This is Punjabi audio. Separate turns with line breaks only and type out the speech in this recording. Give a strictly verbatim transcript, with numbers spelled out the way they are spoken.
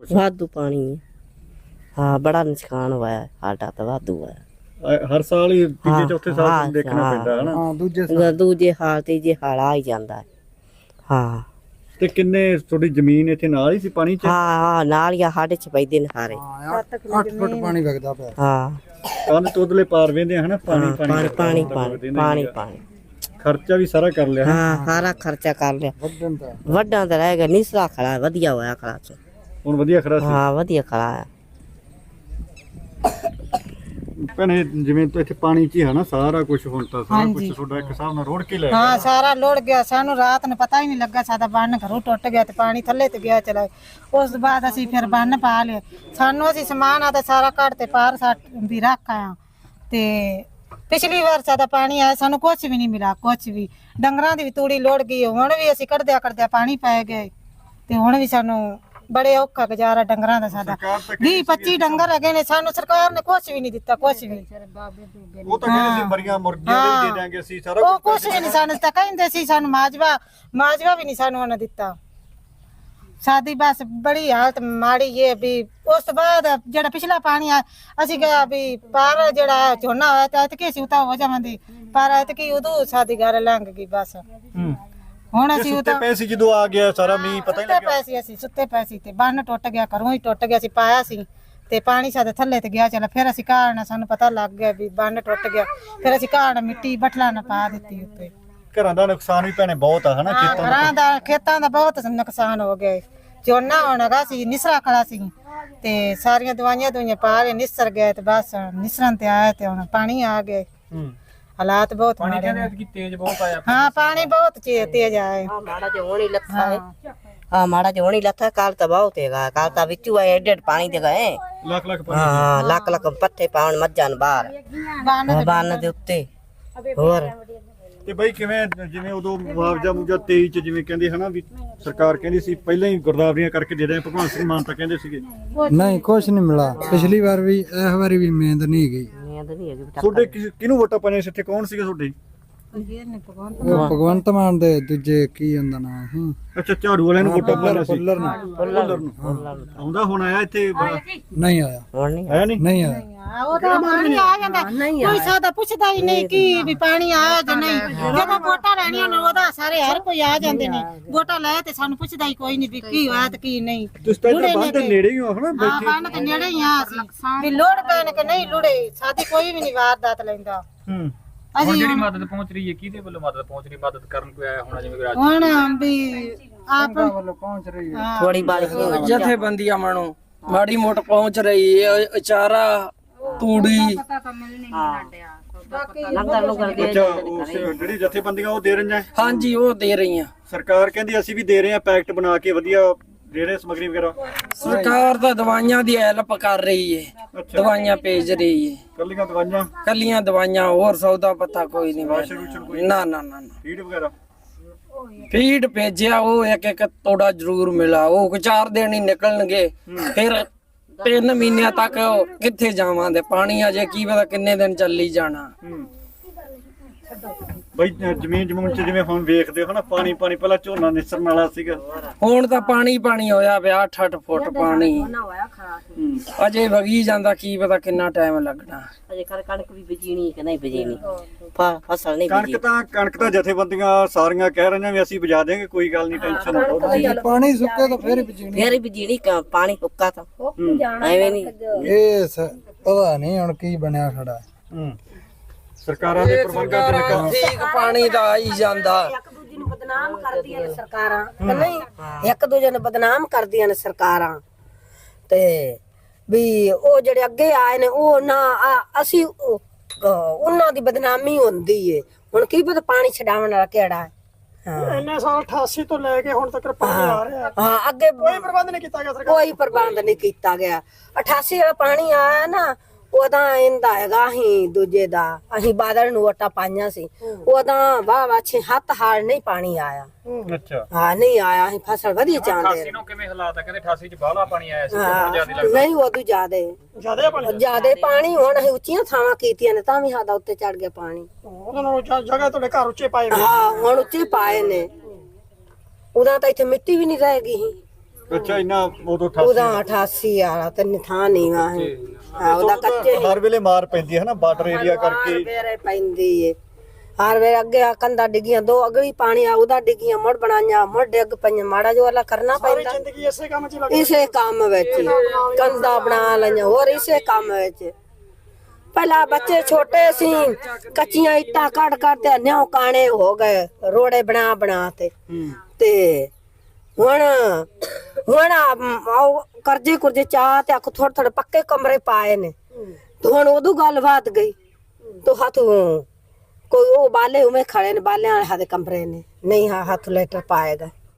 ਵਾਧੂ ਪਾਣੀ ਹੈ। ਹਾਂ ਬੜਾ ਨੁਕਸਾਨ ਹੋਇਆ ਸਾਡਾ ਤਾਂ ਵਾਧੂ ਹੈ।
ਹਰ ਸਾਲ ਹੀ ਤੀਜੇ ਚੌਥੇ ਸਾਲ ਤੁਹਾਨੂੰ ਦੇਖਣਾ ਪੈਂਦਾ ਹੈ ਨਾ।
ਹਾਂ ਦੂਜੇ
ਦੂਜੇ ਹਾਲ ਤੇ ਜੇ ਹਾਲ ਆ ਹੀ ਜਾਂਦਾ ਹੈ। ਹਾਂ
ਤੇ ਕਿੰਨੇ ਤੁਹਾਡੀ ਜ਼ਮੀਨ ਇੱਥੇ ਨਾਲ ਹੀ ਸੀ ਪਾਣੀ 'ਚ?
ਹਾਂ ਹਾਂ ਨਾਲ ਹੀ ਆ, ਸਾਡੇ ਚ ਪੈਂਦੇ ਨੇ ਸਾਰੇ।
ਅੱਠ ਫੁੱਟ ਪਾਣੀ ਵਗਦਾ ਪਿਆ।
ਹਾਂ
ਕੰਨ ਤੋਦਲੇ ਪਾਰ ਵੇਂਦੇ ਹਨਾ ਪਾਣੀ
ਪਾਣੀ ਪਾਣੀ ਪਾਣੀ ਪਾਣੀ ਪਾਣੀ
ਖਰਚਾ ਵੀ ਸਾਰਾ ਕਰ ਲਿਆ।
ਹਾਂ ਸਾਰਾ ਖਰਚਾ ਕਰ ਲਿਆ।
ਵੱਢਣ ਦਾ
ਵੱਡਾ ਤਾਂ ਰਹਿ ਗਿਆ, ਨਿਸਰਾ ਖੜਾ ਵਧੀਆ ਹੋਇਆ ਖੜਾ ਚ।
ਹੁਣ ਵਧੀਆ ਖੜਾ ਸੀ।
ਹਾਂ ਵਧੀਆ ਖੜਾ ਹੈ।
ਭੈਣੇ ਜਿਵੇਂ ਤੋਂ ਇੱਥੇ ਪਾਣੀ 'ਚ ਹੀ ਹੈ ਨਾ ਸਾਰਾ ਕੁਝ, ਹੁਣ ਤਾਂ ਸਾਰਾ ਕੁਝ ਤੁਹਾਡਾ ਇੱਕ ਹਿਸਾਬ ਨਾਲ ਰੋੜ ਕੇ ਲੈ ਗਿਆ।
ਹਾਂ ਸਾਰਾ ਲੋੜ ਗਿਆ, ਸਾਨੂੰ ਰਾਤ ਨੂੰ ਪਤਾ ਹੀ ਨਹੀਂ ਲੱਗਾ। ਸਾਡਾ ਬੰਨ ਘਰੋਂ ਟੁੱਟ ਗਿਆ ਤੇ ਪਾਣੀ ਥੱਲੇ ਤੇ ਗਿਆ ਚਲਾ। ਉਸ ਤੋਂ ਬਾਅਦ ਅਸੀਂ ਫਿਰ ਬੰਨ ਪਾ ਲਿਆ। ਸਾਨੂੰ ਅਸੀਂ ਸਮਾਨ ਆ ਤਾਂ ਸਾਰਾ ਘੜ ਤੇ ਪਾਰ ਸੱਟ ਵੀ ਰੱਖ ਆਇਆ। ਤੇ ਪਿਛਲੀ ਵਾਰ ਸਾਡਾ ਪਾਣੀ ਆਇਆ, ਸਾਨੂੰ ਕੁਛ ਵੀ ਨਹੀਂ ਮਿਲਾ, ਕੁਛ ਵੀ। ਡੰਗਰਾਂ ਦੀ ਵੀ ਤੂੜੀ ਲੋੜ ਗਈ, ਹੁਣ ਵੀ ਅਸੀਂ ਕੱਢਦਿਆਂ ਕੱਢਦਿਆਂ ਪਾਣੀ ਪੈ ਗਏ ਤੇ ਹੁਣ ਵੀ ਸਾਨੂੰ ਬੜੇ ਔਖਾ ਗੁਜ਼ਾਰਾ ਡੰਗਰਾਂ ਦਾ। ਸਾਡਾ ਵੀਹ ਪੱਚੀ ਡੰਗਰ ਹੈਗੇ ਨੇ, ਸਾਨੂੰ ਸਰਕਾਰ ਨੇ ਕੁਛ ਵੀ ਨਹੀਂ ਦਿੱਤਾ, ਕੁਛ ਵੀ।
ਉਹ ਤਾਂ ਕਹਿੰਦੇ ਸੀ ਮਰੀਆਂ ਮੁਰਗੀਆਂ ਦੇ ਦੇ ਦਾਂਗੇ ਅਸੀਂ ਸਾਰਾ
ਉਹ ਕੁਛ ਵੀ ਨਹੀਂ ਸਾਨੂੰ ਤਾਂ ਕਹਿੰਦੇ ਸੀ। ਸਾਨੂੰ ਮਾਜਵਾ ਮਾਜਵਾ ਵੀ ਨਹੀਂ ਸਾਨੂੰ ਉਹਨਾਂ ਦਿੱਤਾ। ਸਾਡੀ ਬਸ ਬੜੀ ਹਾਲਤ ਮਾੜੀ ਹੈ ਵੀ। ਉਸ ਤੋਂ ਬਾਅਦ ਜਿਹੜਾ ਪਿਛਲਾ ਪਾਣੀ ਆ, ਅਸੀਂ ਕਿਹਾ ਵੀ ਪਰ ਜਿਹੜਾ ਝੋਨਾ ਹੋਇਆ ਤਾਂ ਐਤਕੀ ਅਸੀਂ ਉਤਾ ਹੋ ਜਾਵਾਂਗੇ, ਪਰ ਐਤਕੀ ਉਦੋਂ ਸਾਡੀ ਗੱਲ ਲੰਘ ਗਈ ਬਸ। ਹੁਣ ਅਸੀਂ
ਸੁੱਤੇ ਪਏ ਸੀ ਜਦੋਂ ਆ ਗਿਆ ਸਾਰਾ ਮੀਂਹ, ਪਤਾ ਹੀ
ਸੁੱਤੇ
ਲੱਗਿਆ।
ਪਏ ਸੀ ਅਸੀਂ, ਸੁੱਤੇ ਪਏ ਸੀ ਤੇ ਬੰਨ ਟੁੱਟ ਗਿਆ, ਘਰੋਂ ਹੀ ਟੁੱਟ ਗਿਆ ਸੀ, ਪਾਇਆ ਸੀ ਤੇ ਪਾਣੀ ਸਾਡੇ ਥੱਲੇ ਤੇ ਗਿਆ ਚਲਾ। ਫਿਰ ਅਸੀਂ ਘਾੜਨਾ, ਸਾਨੂੰ ਪਤਾ ਲੱਗ ਗਿਆ ਵੀ ਬੰਨ ਟੁੱਟ ਗਿਆ। ਫਿਰ ਅਸੀਂ ਘਾੜ ਮਿੱਟੀ ਬਠਲਾ ਨਾ ਪਾ ਦਿੱਤੀ ਉੱਤੇ।
ਘਰਾਂ ਦਾ ਨੁਕਸਾਨ ਵੀ ਭੈਣੇ ਬਹੁਤ ਆ ਹਨਾ।
ਹਾਂ ਘਰਾਂ ਦਾ ਖੇਤਾਂ ਦਾ ਬਹੁਤ ਨੁਕਸਾਨ ਹੋ ਗਿਆ। ਝੋਨਾ ਹੋਣਗਾ ਸੀ, ਨਿਸਰਾ ਖੜਾ ਸੀ ਤੇ ਸਾਰੀਆਂ ਦਵਾਈਆਂ ਦੁਈਆਂ ਪਾ ਕੇ ਨਿਸਰ ਗਏ ਤੇ ਬਸ ਨਿਸਰਨ ਤੇ ਆਇਆ ਤੇ ਹੁਣ ਪਾਣੀ ਆ ਗਏ। ਹਾਲਾਤ ਬਹੁਤ ਮਾੜੇ ਨੇ।
ਤੇਜ਼ ਬਹੁਤ ਆਇਆ।
ਹਾਂ ਪਾਣੀ ਬਹੁਤ ਤੇਜ਼ ਆਇਆ।
ਮਾੜਾ ਜਿਹਾ ਹੋਣੀ ਲੱਥਾ ਹੈ। ਹਾਂ ਮਾੜਾ ਜਿਹਾ ਹੋਣੀ ਲੱਥਾ। ਕੱਲ ਤਾਂ ਬਹੁਤ ਹੈਗਾ, ਕੱਲ ਤਾਂ ਵਿੱਚੋਂ ਆਏ ਏਡੇ ਪਾਣੀ ਦੇ ਗਏ।
ਲੱਖ ਲੱਖ ਪਾਣੀ।
ਹਾਂ ਲੱਖ ਲੱਖ ਪੱਠੇ ਪਾਉਣ ਮੱਝਾਂ ਨੂੰ ਬਾਹਰ ਬੰਨ ਦੇ ਉੱਤੇ। ਹੋਰ
ਤੇ ਬਈ ਕਿਵੇਂ ਜਿਵੇਂ ਉਦੋਂ ਮੁਆਵਜ਼ਾ ਮੁਆਵਜ਼ਾ ਤੇਈ ਚ ਜਿਵੇਂ ਕਹਿੰਦੇ ਹਨਾ ਵੀ ਸਰਕਾਰ ਕਹਿੰਦੀ ਸੀ ਪਹਿਲਾਂ ਹੀ ਗੁਰਦਾਵਰੀਆਂ ਕਰਕੇ ਦੇ ਰਹੇ ਭਗਵਾਨ ਸਿੰਘ ਮਾਨ ਤਾਂ ਕਹਿੰਦੇ ਸੀਗੇ।
ਨਹੀਂ ਕੁਛ ਨਹੀਂ ਮਿਲਾ। ਪਿਛਲੀ ਵਾਰ ਵੀ ਇਸ ਵਾਰੀ ਵੀ ਮਿਹਨਤ ਨਹੀਂ ਗਈ।
ਨੀਂਦ ਨਹੀਂ ਹੈਗੀ।
ਤੁਹਾਡੇ ਕਿਹਨੂੰ ਵੋਟਾਂ ਪਾਈਆਂ ਸੀ ਇੱਥੇ? ਕੌਣ ਸੀਗੇ ਤੁਹਾਡੇ?
ਉਹ ਭਗਵੰਤ ਮਾਨ ਦੇ ਦੂਜੇ ਕੀ ਹੁੰਦਾ ਨਾ ਸੀ।
ਅੱਛਾ ਝਾੜੂ ਵਾਲਿਆਂ ਨੂੰ ਵੋਟਾਂ ਪਾਈਆਂ ਸੀ।
ਫੁੱਲਰ ਨੂੰ
ਫੁੱਲਰ
ਆਉਂਦਾ ਹੁਣ ਆਇਆ ਇੱਥੇ?
ਨਹੀਂ ਆਇਆ।
ਹੁਣ ਨਹੀਂ
ਆਇਆ ਨਹੀਂ?
ਨਹੀਂ ਆਇਆ।
ਉਹ ਤਾਂ ਪਾਣੀ ਆ ਜਾਂਦਾ, ਕੋਈ ਸਾਦਾ ਪੁੱਛਦਾ ਹੀ ਨਹੀਂ ਕਿ ਵੀ ਪਾਣੀ ਆਇਆ ਜਾਂ ਨਹੀਂ। ਜਦੋਂ ਵੋਟਾਂ ਲੈਣੀਆਂ ਨੇ ਉਹਦਾ ਸਾਰੇ ਹਰ ਕੋਈ ਆ ਜਾਂਦੇ ਨੇ। ਵੋਟਾਂ ਲੈ ਤੇ ਸਾਨੂੰ ਪੁੱਛਦਾ ਹੀ ਕੋਈ ਨਹੀਂ ਵੀ ਕੀ ਹੋਇਆ ਤੇ ਕੀ ਨਹੀਂ।
ਤੁਸੀਂ ਤਾਂ ਇੱਧਰ ਬੰਦ ਦੇ ਨੇੜੇ ਹੀ ਹੋ ਹਨਾ
ਹਾਂ
ਬੈਠੇ।
ਬੰਨ ਤੇ ਨੇੜੇ ਹੀ ਆ ਅਸੀਂ ਵੀ ਲੋੜ ਪੈਣ ਕਿ ਨਹੀਂ ਲੋੜੇ ਸਾਡੀ ਕੋਈ ਵੀ ਨਹੀਂ ਵਾਰਦਾਤ ਲੈਂਦਾ।
ਹੂੰ
ਅਸੀਂ
ਜਿਹੜੀ ਮਦਦ ਪਹੁੰਚ ਰਹੀ ਹੈ ਕਿਹਦੇ ਵੱਲੋਂ ਮਦਦ ਪਹੁੰਚ ਰਹੀ? ਮਦਦ ਕਰਨ ਕੋਈ ਆਇਆ ਹੋਣਾ ਜਿਵੇਂ ਰਾਜ
ਹੁਣ ਵੀ ਆਪ
ਵੱਲੋਂ ਪਹੁੰਚ ਰਹੀ ਹੈ।
ਥੋੜੀ ਬਾਲੀ
ਜਥੇਬੰਦੀਆਂ ਮਣੋ ਮਾੜੀ ਮੋਟ ਪਹੁੰਚ ਰਹੀ ਹੈ। ਅਚਾਰਾ ਤੂੜੀ
ਲੰਗਰ ਲੁਗਰ ਦੇ
ਅੱਛਾ ਉਸ ਜਿਹੜੀ ਜਥੇਬੰਦੀਆਂ ਉਹ ਦੇ ਰਹੀਆਂ?
ਹਾਂਜੀ ਉਹ ਦੇ ਰਹੀਆਂ।
ਸਰਕਾਰ ਕਹਿੰਦੀ ਅਸੀਂ ਵੀ ਦੇ ਰਹੇ ਹਾਂ ਪੈਕਟ ਬਣਾ ਕੇ ਵਧੀਆ ਦੇ ਰਹੇ ਸਮਗਰੀ ਵਗੈਰਾ।
ਸਰਕਾਰ ਤਾਂ ਦਵਾਈਆਂ ਦੀ ਹੈਲਪ ਕਰ ਰਹੀ ਹੈ, ਦਵਾਈਆਂ ਭੇਜ ਰਹੀ ਹੈ।
ਕੱਲੀਆਂ ਦਵਾਈਆਂ?
ਕੱਲੀਆਂ ਦਵਾਈਆਂ, ਹੋਰ ਸੌਦਾ ਪੱਤਾ ਕੋਈ ਨਹੀਂ। ਨਾ ਨਾ ਨਾ
ਫੀਡ ਵਗੈਰਾ?
ਫੀਡ ਭੇਜਿਆ ਉਹ ਇੱਕ ਇੱਕ ਤੋੜਾ ਜ਼ਰੂਰ ਮਿਲਾ। ਉਹ ਚਾਰ ਦਿਨ ਹੀ ਨਿਕਲਣਗੇ, ਫਿਰ ਤਿੰਨ ਮਹੀਨਿਆਂ ਤੱਕ ਕਿੱਥੇ ਜਾਵਾਂਗੇ? ਪਾਣੀ ਅਜੇ ਕੀ ਪਤਾ ਕਿੰਨੇ ਦਿਨ ਚੱਲੀ ਜਾਣਾ।
ਬਈ ਜ਼ਮੀਨ ਜਮੂਨ ਚ ਜਿਵੇਂ ਹੁਣ ਵੇਖਦੇ ਹੋ ਨਾ ਪਾਣੀ ਪਾਣੀ, ਪਹਿਲਾਂ ਝੋਨਾ ਨਿਸਰਨ ਵਾਲਾ ਸੀਗਾ,
ਹੁਣ ਤਾਂ ਪਾਣੀ ਪਾਣੀ ਹੋਇਆ ਪਿਆ। ਅੱਠ ਅੱਠ ਫੁੱਟ ਪਾਣੀ ਅਜੇ ਵਗੀ ਜਾਂਦਾ, ਕੀ ਪਤਾ ਕਿੰਨਾ ਟਾਈਮ ਲੱਗਣਾ।
ਅਜੇ ਕਰ ਕਣਕ ਵੀ ਬੀਜਣੀ ਕਿ ਨਹੀਂ ਬੀਜਣੀ, ਫਸਲ ਨਹੀਂ ਬੀਜੀ।
ਕਣਕ ਤਾਂ ਕਣਕ ਤਾਂ ਜਥੇਬੰਦੀਆਂ ਸਾਰੀਆਂ ਕਹਿ ਰਹੀਆਂ ਵੀ ਅਸੀਂ ਬਜਾ ਦੇਵਾਂਗੇ, ਕੋਈ ਗੱਲ ਨਹੀਂ, ਟੈਨਸ਼ਨ ਨਾ ਲਓ।
ਪਾਣੀ ਸੁੱਕੇ ਤਾਂ ਫੇਰ ਵੀ ਜੀਣੀ।
ਫੇਰ ਬੀਜਣੀ, ਪਾਣੀ ਹੁੱਕਾ ਤਾਂ ਐਵੇਂ ਨਹੀਂ।
ਇਹ ਪਤਾ ਨਹੀਂ ਹੁਣ ਕੀ ਬਣਿਆ ਖੜਾ।
ਹੂੰ ਸਰਕਾਰਾਂ ਦੇ ਪ੍ਰਬੰਧਾਂ ਤੇ ਨਿਕਲ
ਠੀਕ ਪਾਣੀ ਦਾ ਆਈ ਜਾਂਦਾ।
ਇੱਕ ਦੂਜੇ ਨੂੰ ਬਦਨਾਮ ਕਰਦੀਆਂ ਨੇ ਸਰਕਾਰਾਂ, ਨਹੀਂ ਇੱਕ ਦੂਜੇ ਨੂੰ ਬਦਨਾਮ ਕਰਦੀਆਂ ਨੇ ਸਰਕਾਰਾਂ। ਤੇ ਵੀ ਉਹ ਜਿਹੜੇ ਅੱਗੇ ਆਏ ਨੇ ਉਹ ਨਾ ਅਸੀਂ ਉਹਨਾਂ ਦੀ ਬਦਨਾਮੀ ਹੁੰਦੀ ਏ। ਹੁਣ ਕੀ ਪਤਾ ਪਾਣੀ ਛਡਾਉਣ ਵਾਲਾ ਕਿਹੜਾ ਹੈ।
ਇੰਨੇ ਸਾਲ ਅਠਾਸੀ ਤੋਂ ਲੈ ਕੇ ਹੁਣ ਤੱਕ ਪਾਣੀ ਆ ਰਿਹਾ।
ਹਾਂ ਅੱਗੇ
ਕੋਈ ਪ੍ਰਬੰਧ ਨਹੀਂ ਕੀਤਾ ਗਿਆ ਸਰਕਾਰ।
ਕੋਈ ਪ੍ਰਬੰਧ ਨਹੀਂ ਕੀਤਾ ਗਿਆ। ਅਠਾਸੀ ਵਾਲਾ ਪਾਣੀ ਆਇਆ ਨਾ, ਉਹਦਾ ਇਹਦਾ ਹੈਗਾ ਅਸੀਂ ਦੂਜੇ ਦਾ ਅਸੀਂ ਬਾਦਲ ਨੂੰ ਵੋਟਾਂ ਪਾਈਆਂ ਸੀ। ਉਹਦਾ ਵਾਹ ਵਾਹ ਛੇ ਹੱਥ ਹਾਲ ਨਹੀਂ ਪਾਣੀ ਆਇਆ।
ਅੱਛਾ
ਹਾਂ ਨਹੀਂ ਆਇਆ। ਅਸੀਂ ਫਸਲ ਵਧੀਆ ਚਾਹੁੰਦੇ
ਅਠਾਸੀ ਨੂੰ ਕਿਵੇਂ ਹਾਲਾਤ ਹੈ? ਕਹਿੰਦੇ ਅਠਾਸੀ ਚ ਬਾਹਲਾ ਪਾਣੀ ਆਇਆ ਸੀ, ਬਹੁਤ ਜ਼ਿਆਦਾ ਲੱਗਦਾ।
ਨਹੀਂ ਉਦੋਂ ਜ਼ਿਆਦੇ
ਜ਼ਿਆਦਾ ਪਾਣੀ
ਜ਼ਿਆਦੇ ਪਾਣੀ। ਹੁਣ ਅਸੀਂ ਉੱਚੀਆਂ ਥਾਵਾਂ ਕੀਤੀਆਂ ਨੇ ਤਾਂ ਵੀ ਸਾਡਾ ਉੱਤੇ ਚੜ ਗਿਆ ਪਾਣੀ।
ਉਹਨਾਂ ਨੂੰ ਜਗ੍ਹਾ ਤੁਹਾਡੇ ਘਰ ਉੱਚੇ ਪਾਏ ਹੋਏ।
ਹਾਂ ਹੁਣ ਉੱਚੇ ਪਾਏ ਨੇ। ਉਦੋਂ ਤਾਂ ਇੱਥੇ ਮਿੱਟੀ ਵੀ ਨਹੀਂ ਰਹੇਗੀ ਸੀ।
ਅੱਛਾ ਇੰਨਾ ਉਦੋਂ ਅਠਾਸੀ
ਉਹਦਾ ਅਠਾਸੀ ਵਾਲਾ ਤੇ ਨਿਥਾਂ ਨਹੀਂ ਵਾ ਹਾਂ ਉਹਦਾ ਕੱਚੇ
ਹਰ ਵੇਲੇ ਮਾਰ ਪੈਂਦੀ ਹੈ ਨਾ ਬਾਰਡਰ ਏਰੀਆ ਕਰਕੇ
ਵੇਰੇ ਪੈਂਦੀ ਏ ਹਰ ਵੇਲੇ ਅੱਗੇ ਆ ਕੰਦਾ ਡਿੱਗੀਆਂ ਦੋ ਅਗਲੀ ਪਾਣੀ ਆ ਉਹਦਾ ਡਿੱਗੀਆਂ ਮੁੜ ਬਣਾਈਆਂ ਮੁੜ ਡਿੱਗ ਪਈਆਂ ਮਾੜਾ ਜੋ ਵਾਲਾ ਕਰਨਾ ਪੈਂਦਾ
ਜ਼ਿੰਦਗੀ ਇਸੇ ਕੰਮ 'ਚ ਲੱਗ
ਇਸੇ ਕੰਮ ਵਿੱਚ ਹੀ। ਕੰਦਾ ਬਣਾ ਲਈਆਂ ਹੋਰ ਇਸੇ ਕੰਮ ਵਿੱਚ ਪਹਿਲਾਂ ਬੱਚੇ ਛੋਟੇ ਸੀ ਕੱਚੀਆਂ ਇੱਟਾਂ ਕੱਢ ਕੱਢ ਤੇ ਨਿਉ ਕਾਣੇ ਹੋ ਗਏ ਰੋੜੇ ਬਣਾ ਬਣਾ ਤੇ ਤੇ ਹੁਣ ਹੁਣ ਆਹ ਕਰਜ਼ੇ ਕੁਰਜ਼ੇ ਚਾਹ ਤੇ ਆਖ ਥੋੜੇ ਥੋੜੇ ਪੱਕੇ ਕਮਰੇ ਪਾਏ ਨੇ ਤੇ ਹੁਣ ਉਦੋਂ ਗੱਲ ਬਾਤ ਗਈ ਤੋ ਹੱਥ ਕੋਈ ਉਹ ਬਾਲੇ ਉਵੇਂ ਖੜੇ ਨੇ ਬਾਲਿਆਂ ਵਾਲੇ ਹੱਥ ਕਮਰੇ ਨੇ ਨਹੀਂ ਹਾਂ ਹੱਥ ਲੈਟਰ ਪਾਏਗਾ